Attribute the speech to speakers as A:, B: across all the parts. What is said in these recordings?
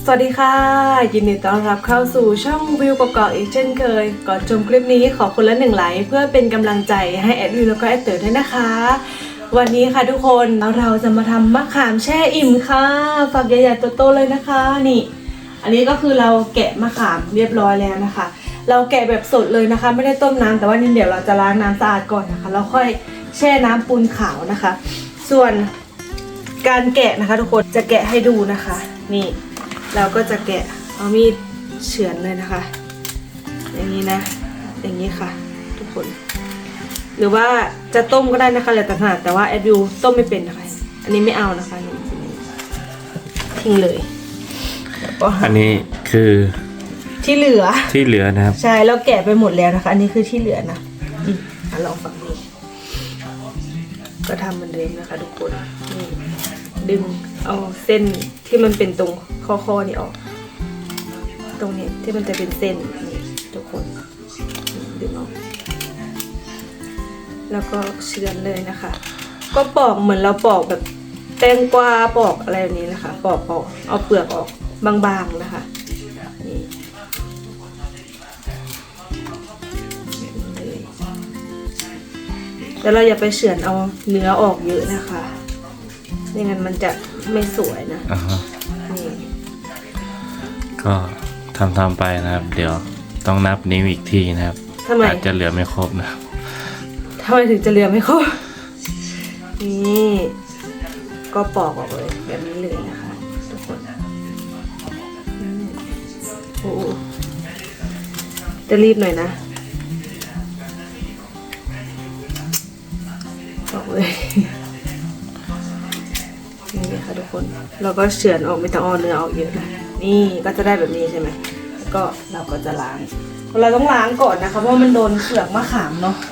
A: สวัสดีค่ะยินดีต้อนรับเข้าสู่ช่องวิวกอกอีกเช่นเคยก่อนชมคลิปนี้ขอคนละ1 ไลค์เพื่อเป็นกำลังใจให้แอดวิวแล้วก็แอดเต๋อด้วยนะคะวันนี้ค่ะทุกคนเราจะมาทำมะขามแช่อิ่มค่ะฝักใหญ่ๆโตๆเลยนะคะนี่อันนี้ก็คือเราแกะมะขามเรียบร้อยแล้วนะคะเราแกะแบบสดเลยนะคะไม่ได้ต้มน้ำแต่ว่านี่เดี๋ยวเราจะล้างน้ำสะอาดก่อนนะคะแล้วค่อยแช่น้ำปูนขาวนะคะส่วนการแกะนะคะทุกคนจะแกะให้ดูนะคะนี่เราก็จะแกะเอามีดเฉือนเลยนะคะอย่างนี้นะอย่างนี้ค่ะทุกคนหรือว่าจะต้มก็ได้นะคะแล้วแต่ถนัดแต่ว่าแอดวิวต้มไม่เป็นนะคะอันนี้ไม่เอานะคะนี่ทิ้งเลย
B: อันนี้คือ
A: ที่เหลือ
B: นะครับ
A: ใช่เราแกะไปหมดแล้วนะคะอันนี้คือที่เหลือนะลองฝั่งนี้ก็ทำเหมือนเดิมนะคะทุกคนนี่ดึงเอาเส้นที่มันเป็นตรงข้อนี่ออกตรงนี้ที่มันจะเป็นเส้นนี่ทุกคนดึงออกแล้วก็เฉือนเลยนะคะก็ปอกเหมือนเราปอกแบบแตงกวาปอกอะไรแบบนี้นะคะปอกเอาเปลือกออกบางๆนะคะนี่แล้วเราอย่าไปเฉือนเอาเนื้อออกเยอะนะคะไม่งั้นมันจะไม่สวยนะนี่
B: ก็ทำไปนะครับเดี๋ยวต้องนับนิ้วอีกทีนะครับอาจจะเหลือไม่ครบนะ
A: ทำไมถึงจะเหลือไม่ครบนี่ก็ปอกออกเลยแบบนี้เลยนะคะทุกคนโอ้จะรีบหน่อยนะปอกเลยนี่ค่ะทุกคนเราก็เฉือนออกไม่ต้องเอาเนื้อออกเยอะนะนี่ก็จะได้แบบนี้ใช่ไหมแล้วก็เราก็จะล้างเราต้องล้างก่อนนะคะเพราะมันโดนเปลือกมะขามเนาะ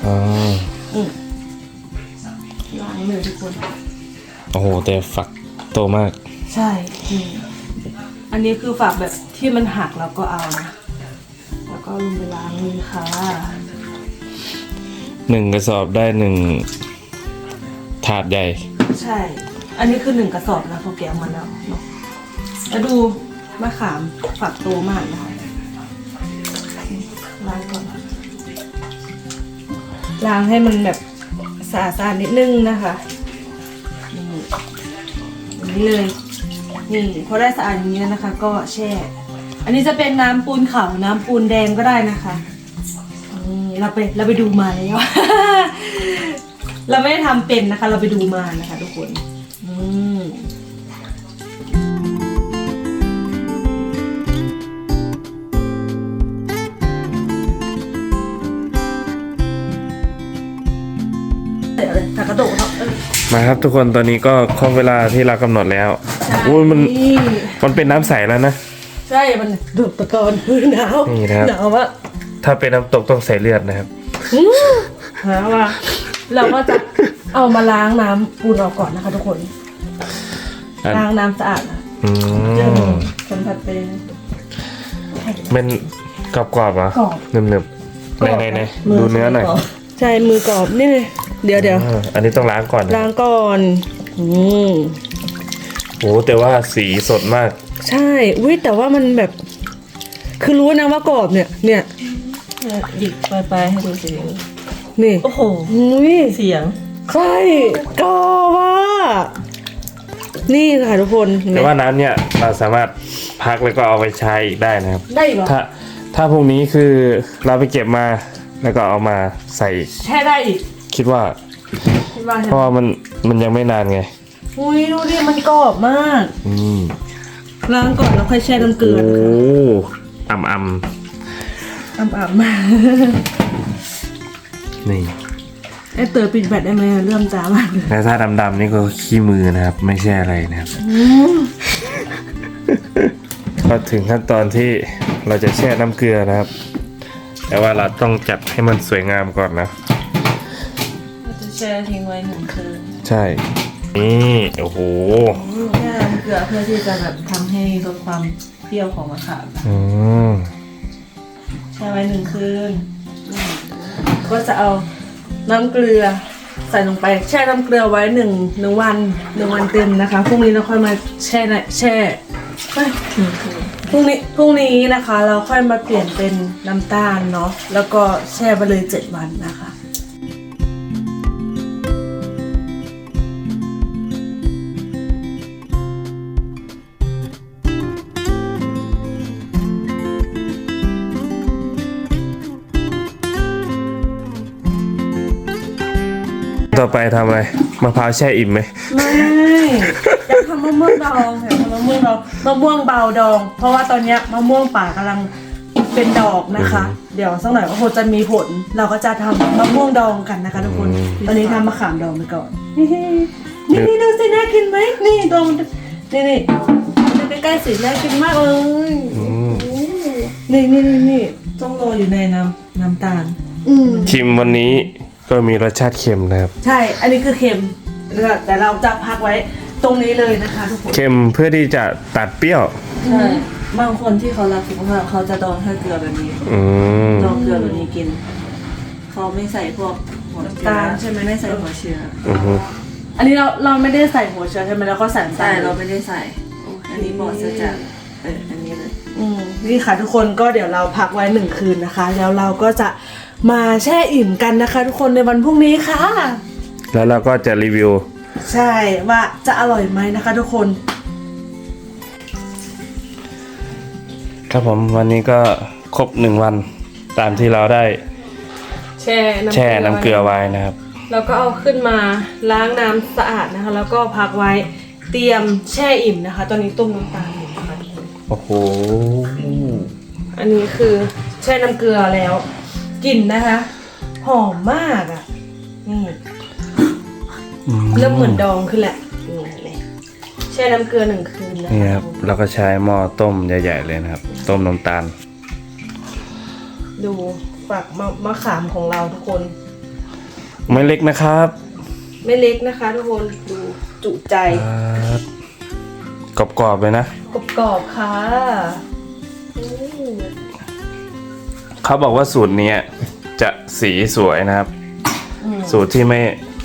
A: ล้างเลยทุกคน
B: โอ้โหแต่ฝักโตมาก
A: ใช่อันนี้คือฝักแบบที่มันหักเราก็เอานะแล้วก็ลงไปล้างเลยค่ะ
B: 1 กระสอบได้1 ถาดใหญ่
A: ใช่อันนี้คือ1 กระสอบนะเขาแกะมาแล้วเนาะแล้วดูมะขามฝักโตมากนะคะล้างก่อนล้างให้มันแบบสะอาดๆนิดนึงนะคะนี่เลยนี่พอได้สะอาดอย่างนี้แล้วนะคะก็แช่อันนี้จะเป็นน้ำปูนขาวน้ำปูนแดงก็ได้นะคะเราไปดูมาแล้ว เราไม่ได้ทำเป็นนะคะเราไปดูมานะคะทุกคนกระโดด
B: มาครับทุกคนตอนนี้ก็ครบเวลาที่เรากำหนดแล้วโอ้ยมันเป็นน้ำใสแล้วนะ
A: ใช่มันดูดตะกอนหนาว
B: นี่นะครับ
A: หนาววะ
B: ถ้าเป็นน้ำตกต้องใส่เลือดนะครับ
A: หาว่าเราก็จะเอามาล้างน้ำปูนออกก่อนนะคะทุกคนล้างน้ำสะอาดสัมผัสเป็น
B: เป็นกรอบๆเหรอหนึบๆไหนดูเนื้อหน่อย
A: ใช่มือกรอบนี่เลยเดี๋ยว
B: อันนี้ต้องล้างก่อนโอ้แต่ว่าสีสดมาก
A: ใช่อุ้ยแต่ว่ามันแบบคือรู้นะว่ากรอบเนี่ยหยิบไปให้ดูสินี่โอ้โหเสียงใช่กรอบว่ะนี่ค่ะทุกคน
B: แต่ว่าน้ำเนี่ยเราสามารถพักแล้วก็เอาไปใช้อีกได้นะครับ
A: ได้เหรอ
B: ถ้าพรุ่งนี้คือเราไปเก็บมาแล้วก็เอามาใส่
A: แช่ได้อีก
B: คิดว่าเพราะว่ามันยังไม่นานไง
A: อุ้ยดูดิมันกรอบมากล้างก่อนแล้วค่อยแช่น้ำเกลือ
B: โอ้อ่ำ
A: มา
B: นี่
A: ไอเต๋อปิดแบตได้ไหมเริ่มจ้ามากเลย
B: แต่ถ้าดำๆนี่ก็ขี้มือนะครับไม่ใช่อะไรนะครับก็ถึงขั้นตอนที่เราจะแช่น้ำเกลือนะครับแต่ว่าเราต้องจัดให้มันสวยงามก่อนนะ
A: เราจะแช่ทิ้งไว้1 คืน
B: ใช่นี่โอ้โห
A: แช่น้ำเกลือเพื่อที่จะแบบทำให้ลดความเปรี้ยวของมะขามแช่ไว้1 คืนก็จะเอาน้ำเกลือใส่ลงไปแช่น้ำเกลือไว้1 วันเต็มนะคะพรุ่งนี้เราค่อยมาแช่พรุ่งนี้นะคะ เราค่อยมาเปลี่ยนเป็นน้ำตาลเนาะแล้วก็แช่ไปเลย7 วันนะคะ
B: ต่อไปทำอะไรมะพร้าวแช่อิ่มไหม
A: ไม่อยากทำมะม่วงดองอยากทำมะม่วงดองมะม่วงเบาดอง เพราะว่าตอนเนี้ยมะม่วงป่ากำลังเป็นดอกนะคะ เดี๋ยวสักหน่อยก็คงจะมีผล เราก็จะทำมะม่วงดองกันนะคะทุกคนตอนนี้ทำมะขามดองไปก่อนนี่ดูสิน่ากินไหมนี่ดองนี่ดูใกล้ๆสิน่ากินมากเลยนี่ต้องโรยอยู่ในน้ำตาล
B: ชิมวันนี้ก็มีรสชาติเค็มนะครับ
A: ใช่ อันนี้คือเค็มแต่เราจะพักไว้ตรงนี้เลยนะคะทุกคน
B: เค็มเพื่อที่จะตัดเปรี้ยว
A: ใช่บางคนที่เขารักสุขภาพเขาจะดองแค่เกลือแบบนี้ ดองเกลือแบบนี้กิน เขาไม่ใส่พวกหัวตาลใช่ไหมไม่ใส่หัวเชื้อ อันนี้เราไม่ได้ใส่หัวเชื้อใช่ไหมแล้วก็ใส่น้ำตาลเราไม่ได้ใส่ อันนี้บอกจะจากอันนี้เลยนี่ค่ะทุกคนก็เดี๋ยวเราพักไว้1 คืนนะคะ แล้วเราก็จะมาแช่อิ่มกันนะคะ ทุกคนในวันพรุ่งนี้ค่ะ
B: แล้วเราก็จะรีวิว
A: ใช่ว่าจะอร่อยไหมนะคะ ทุกคน
B: ครับผมวันนี้ก็ครบ1 วันตามที่เราได้แช่น้ำเกลือไว้นะครับ
A: แล้วก็เอาขึ้นมาล้างน้ำสะอาดนะคะ แล้วก็พักไว้เตรียมแช่อิ่มนะคะ ตอนนี้ต้มน้ำตาลอยู่นะคะทุกคน
B: โอ้โห
A: อันนี้คือแช่น้ำเกลือแล้วกลิ่นนะคะหอมมากอ่ะนี่เริ่มเหมือนดองขึ้นแหละนี่แช่น้ำเกลือ1 คืนนะ
B: นี่ครับเราก็ใช้หม้อต้มใหญ่ๆเลยนะครับ ต้มน้ำตาล
A: ดูฝักมะขามของเราทุกคน
B: ไม่เล็กนะครับ
A: ไม่เล็กนะคะทุกคนดูจุใจ
B: กรอบๆเลยนะ
A: กรอบๆค่ะ
B: เขาบอกว่าสูตรนี้จะสีสวยนะครับ สูตรที่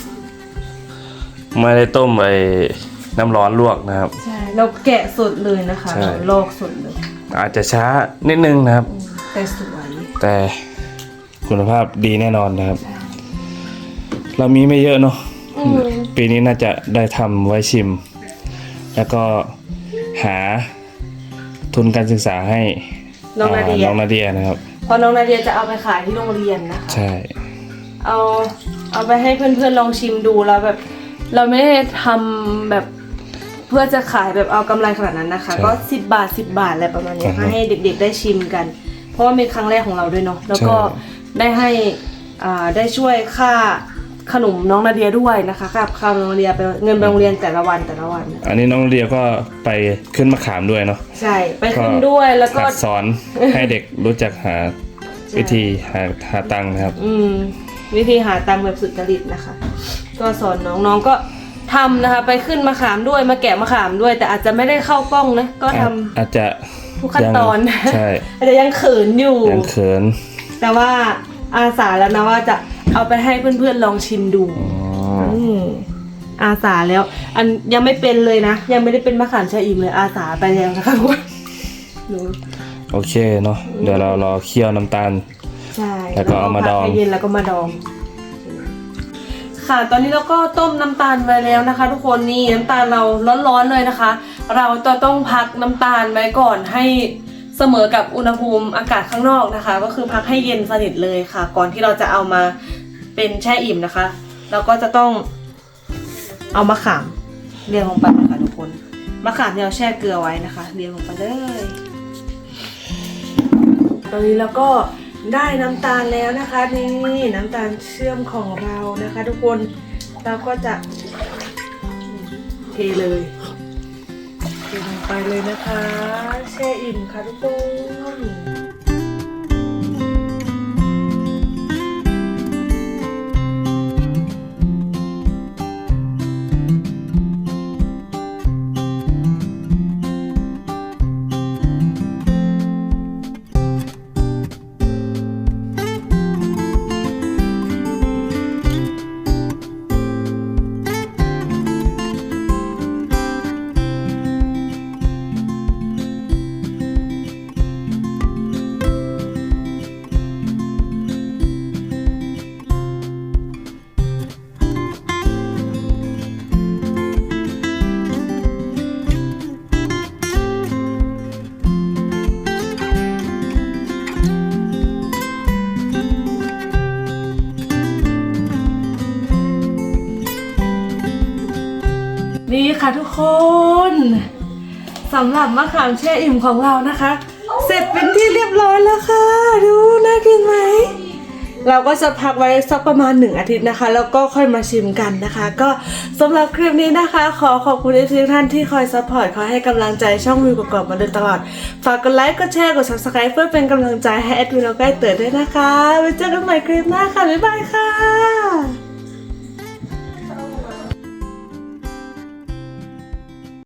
B: ไม่ได้ต้มน้ำร้อนลวกนะครับ
A: ใช่เราแกะสดเลยนะคะ
B: ใช่
A: เราลอกสดเลย
B: อาจจะช้านิดนึงนะครับ
A: แต่สวย
B: แต่คุณภาพดีแน่นอนนะครับ เรามีไม่เยอะเนาะปีนี้น่าจะได้ทำไว้ชิม แล้วก็หาทุนการศึกษาให้
A: น้องนาเดีย
B: น้องนาเดียนะครับ
A: พอน้องนาเดียจะเอาไปขายที่โรงเรียนนะคะ
B: ใช่
A: เอาไปให้เพื่อนๆลองชิมดูแล้วแบบ เราไม่ได้ทำแบบเพื่อจะขายแบบเอากำไรขนาดนั้นนะคะ ก็10 บาทอะไรประมาณนี้ให้เด็กๆได้ชิมกัน เพราะว่าเป็นครั้งแรกของเราด้วยเนาะแล้วก็ได้ให้ได้ช่วยค่าขนมน้องนาเดียด้วยนะคะค่าข้าวน้องนาเดียไปเงินไปโรงเรียนแต่ละวัน
B: อันนี้น้องนาเดียก็ไปขึ้นมะขามด้วยเนาะ
A: ใช่ไปขึ้นด้วยแล้วก็
B: หัดสอนให้เด็กรู้จักหาวิธีหาตังค์นะครับ
A: วิธีหาตังค์แบบสุจริตนะคะ ก็สอนน้องๆก็ทำนะคะไปขึ้นมะขามด้วยมาแกะมะขามด้วย แต่อาจจะไม่ได้เข้ากล้องนะก็ทำ
B: อาจจะ
A: ทุกขั้นตอน
B: ใช่
A: อาจจะยังเขินอยู่
B: ยังเขิน
A: แต่ว่าอาสาแล้วนะว่าจะเอาไปให้เพื่อนๆลองชิมดูอาสาแล้ว อันยังไม่เป็นเลยนะยังไม่ได้เป็นมะขามชะอิ่มเลยอาสาไปแล้วนะคะทุกคนดู
B: โอเคเนาะเดี๋ยวเรารอเคี่ยวน้ำตาล
A: ใช่
B: แล้วก็เอามาดอง
A: ให้เย็นแล้วก็มาดอง ค่ะตอนนี้เราก็ต้มน้ำตาลไว้แล้วนะคะ ทุกคนนี่น้ำตาลเราร้อนๆเลยนะคะ เราจะต้องพักน้ำตาลไว้ก่อนให้เสมอกับอุณหภูมิอากาศข้างนอกนะคะ ก็คือพักให้เย็นสนิทเลยค่ะ ก่อนที่เราจะเอามาเป็นแช่อิ่มนะคะเราก็จะต้องเอามะขามเรียงลงไปนะคะทุกคนมะขามที่เราแช่เกลือไว้นะคะเรียงลงไปเลยตอนนี้เราก็ได้น้ำตาลแล้วนะคะนี่น้ำตาลเชื่อมของเรานะคะ ทุกคนเราก็จะเทเลยเทลงไปเลยนะคะแช่อิ่มค่ะทุกคนค่ะทุกคนสำหรับมะขามแช่อิ่มของเรานะคะ เสร็จเป็นที่เรียบร้อยแล้วค่ะดูน่ากินไหมเราก็จะพักไว้สักประมาณ1 อาทิตย์นะคะ แล้วก็ค่อยมาชิมกันนะคะ ก็สำหรับคลิปนี้นะคะ ขอขอบคุณทุกท่านที่คอยซัพพอร์ตคอยให้กำลังใจช่องวิวกรอบๆมาโดยตลอดฝากกดไลค์กดแชร์กด subscribe เพื่อเป็นกำลังใจให้แอดวิวแล้วก็เต๋อด้วยนะคะไว้เจอกันใหม่คลิปหน้าค่ะบ๊ายบายค่ะ